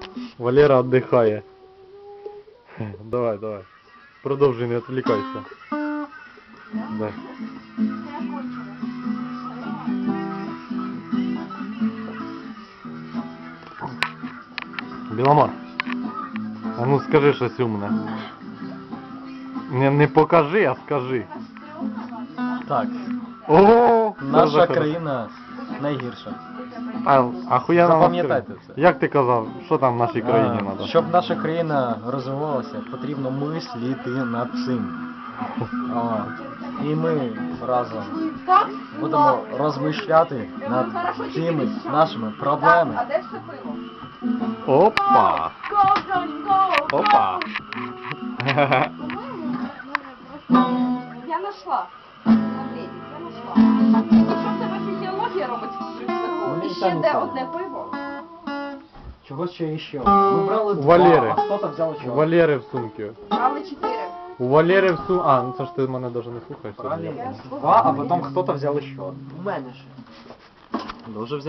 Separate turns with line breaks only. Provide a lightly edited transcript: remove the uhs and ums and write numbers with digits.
Валера отдыхает. Давай, давай. Продолжи, не отвлекайся. Да. Біломор, а ну скажи щось умне. Не покажи, а скажи.
Так,
О,
наша країна найгірша.
Ахуєнно.
Запам'ятайте це.
Як ти казав, що там в нашій країні треба?
Щоб наша країна розвивалася, потрібно мислити над цим. І ми разом будемо розмишляти над цими нашими проблемами.
А де все пиво?
Опа! Опа!
Я нашла. Андрій, я нашла. Що в тебе фізіологія робить в рюкзаку? І ще де одне пиво?
Чого ще іще? Ми брали два,
Валери.
а хто-то взяв
У
чого?
Валери в сумці.
Брали 4.
У Валери в сумці. А, ну це ж ти мене навіть не слухаєш.
Брали два, а потім хто-то взяв ще. У мене ще. Дуже взяв.